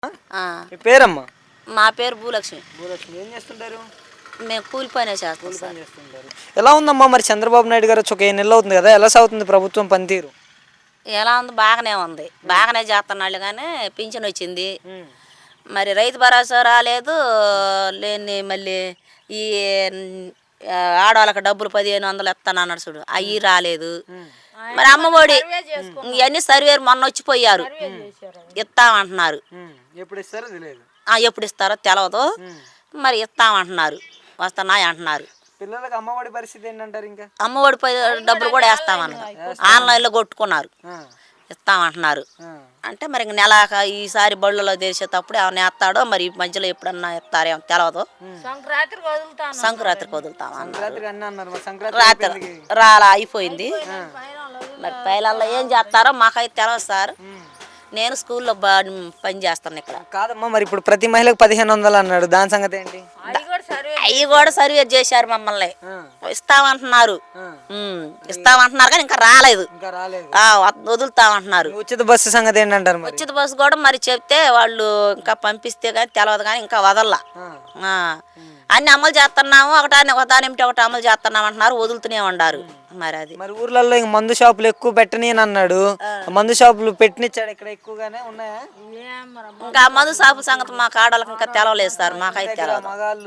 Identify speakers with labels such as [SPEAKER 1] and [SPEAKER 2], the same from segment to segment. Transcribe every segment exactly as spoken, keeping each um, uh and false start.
[SPEAKER 1] ఆ,
[SPEAKER 2] మీ పేరమ్మా?
[SPEAKER 1] మా పేరు భూలక్ష్మి.
[SPEAKER 2] భూలక్ష్మి ఏం చేస్తుంటారు?
[SPEAKER 1] మేము కూలి పనే చేస్తాం
[SPEAKER 2] కూలి
[SPEAKER 1] సార్.
[SPEAKER 2] పని చేస్తుంటారు. ఎలా ఉందమ్మా మరి చంద్రబాబు నాయుడు గారు వచ్చి ఒక ఏడు నెలలు అవుతుంది కదా, ఎలా సాగుతుంది ప్రభుత్వం పనితీరు?
[SPEAKER 1] ఎలా ఉంది? బాగానే ఉంది, బాగానే చేస్తున్నాళ్ళు. కానీ పింఛన్ వచ్చింది, మరి రైతు భరోసా రాలేదు. లేని మళ్ళీ ఈ ఆ, ఆడవాళ్ళకి డబ్బులు పదిహేను వందలు ఇస్తాను అన్నాడు చూడు, అవి రాలేదు. మరి అమ్మఒడి ఇవన్నీ సర్వేరు మొన్న వచ్చిపోయారు, ఇస్తామంటున్నారు.
[SPEAKER 2] ఎప్పుడు ఇస్తారో తెలియదు.
[SPEAKER 1] ఆ, ఎప్పుడు ఇస్తారో తెలియదు, మరి ఇస్తామంటున్నారు, వస్తున్నాయి అంటున్నారు.
[SPEAKER 2] పిల్లలకి అమ్మఒడి పరిస్థితి ఏంటంటారు? ఇంకా
[SPEAKER 1] అమ్మఒడి పై డబ్బులు కూడా వేస్తామన్నారు, ఆన్లైన్లో కొట్టుకున్నారు, ఇస్తామంటున్నారు. అంటే మరి ఇంక నెల ఈసారి బళ్ళలో తెరిచేటప్పుడు ఏమన్నా వేస్తాడో, మరి ఈ మధ్యలో ఎప్పుడన్నా ఇస్తారేమో తెలియదు. సంక్రాంతికి వదులుతామన్నారు, రాత్రి రాలా అయిపోయింది. మరి పైలల్లో ఏం చేస్తారో మాకైతే తెలియదు సార్. నేను స్కూల్లో పని చేస్తాను ఇక్కడ.
[SPEAKER 2] కాదమ్మా, మరి ఇప్పుడు ప్రతి మహిళకు పదిహేను వందలు అన్నాడు, దాని సంగతి ఏంటి?
[SPEAKER 1] అవి కూడా సర్వే చేశారు, మమ్మల్ని ఇస్తామంటున్నారు, ఇస్తామంటున్నారు కానీ ఇంకా రాలేదు. వదులుతామంటున్నారు.
[SPEAKER 2] ఉచిత బస్సు సంగతి ఏంటంటారు?
[SPEAKER 1] ఉచిత బస్సు కూడా మరి చెప్తే వాళ్ళు ఇంకా పంపిస్తే కానీ తెలియదు, కానీ ఇంకా వదల్లా. అన్ని అమలు చేస్తున్నాము, ఒకటాన్ని ఒకదాని ఏమిటి ఒకటి అమలు చేస్తున్నాం అంటున్నారు, వదులుతూనే ఉండారు. మరి అది
[SPEAKER 2] మరి ఊర్లలో ఇంక మందు షాపులు ఎక్కువ పెట్టని అని అన్నాడు, మందు షాపులు పెట్టినిచ్చాడు ఇక్కడ ఎక్కువగానే ఉన్నాయా?
[SPEAKER 1] ఇంకా మందు షాపు సంగతి మా కాడలకు ఇంకా తెలవలేదు సార్, మాకైతే తెలియదు.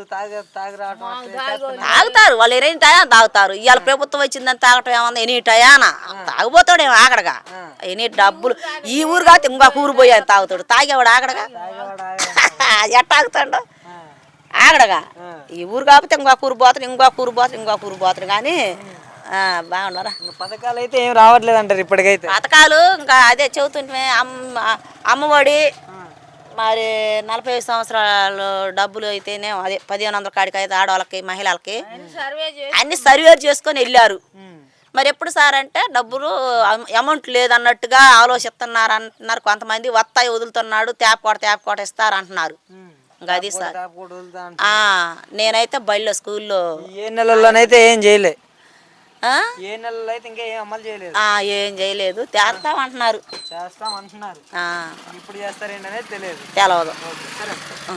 [SPEAKER 1] తాగుతారు వాళ్ళు, ఎనీ టయా తాగుతారు. ఇవాళ ప్రభుత్వం వచ్చిందని తాగటం ఏమన్నా ఎనీ టయానా తాగుపోతాడు ఏమో ఆగడగా. ఎనీ డబ్బులు ఈ ఊరు కాదు ఇంకొక ఊరు పోయి తాగుతాడు, తాగేవాడు ఆగడగా. ఎట్ట ఆగుతాడు ఆగడగా. ఈ ఊరు కాకపోతే ఇంకొక ఊరు పోతాడు, ఇంకొక ఊరు పోతాడు, ఇంకొక ఊరు పోతాడు. కానీ బాగున్నారా?
[SPEAKER 2] పథకాలు అయితే ఏం రావట్లేదు అంటారు ఇప్పటికైతే?
[SPEAKER 1] పథకాలు ఇంకా అదే చెబుతుంటే అమ్మ అమ్మఒడి, మరి నలభై ఐదు సంవత్సరాలు డబ్బులు అయితేనే అదే పదిహేను వందల కాడికి అయితే ఆడవాళ్ళకి మహిళలకి అన్ని సర్వే చేసుకొని వెళ్ళారు. మరి ఎప్పుడు సార్ అంటే డబ్బులు అమౌంట్ లేదన్నట్టుగా ఆలోచిస్తున్నారు అంటున్నారు. కొంతమంది వస్తాయి వదులుతున్నాడు, తేప కోట తేప కోట ఇస్తారు అంటున్నారు. ఇంకా అది సార్. నేనైతే బడిలో స్కూల్లో
[SPEAKER 2] ఏ నెలల్లోనైతే ఏం చేయలే, ఏ నెలలో అయితే ఇంకా ఏం అమలు చేయలేదు,
[SPEAKER 1] ఏం చేయలేదు. చేస్తామంటున్నారు,
[SPEAKER 2] చేస్తామంటున్నారు. ఇప్పుడు చేస్తారేంటనేది తెలియదు
[SPEAKER 1] తెలవదు.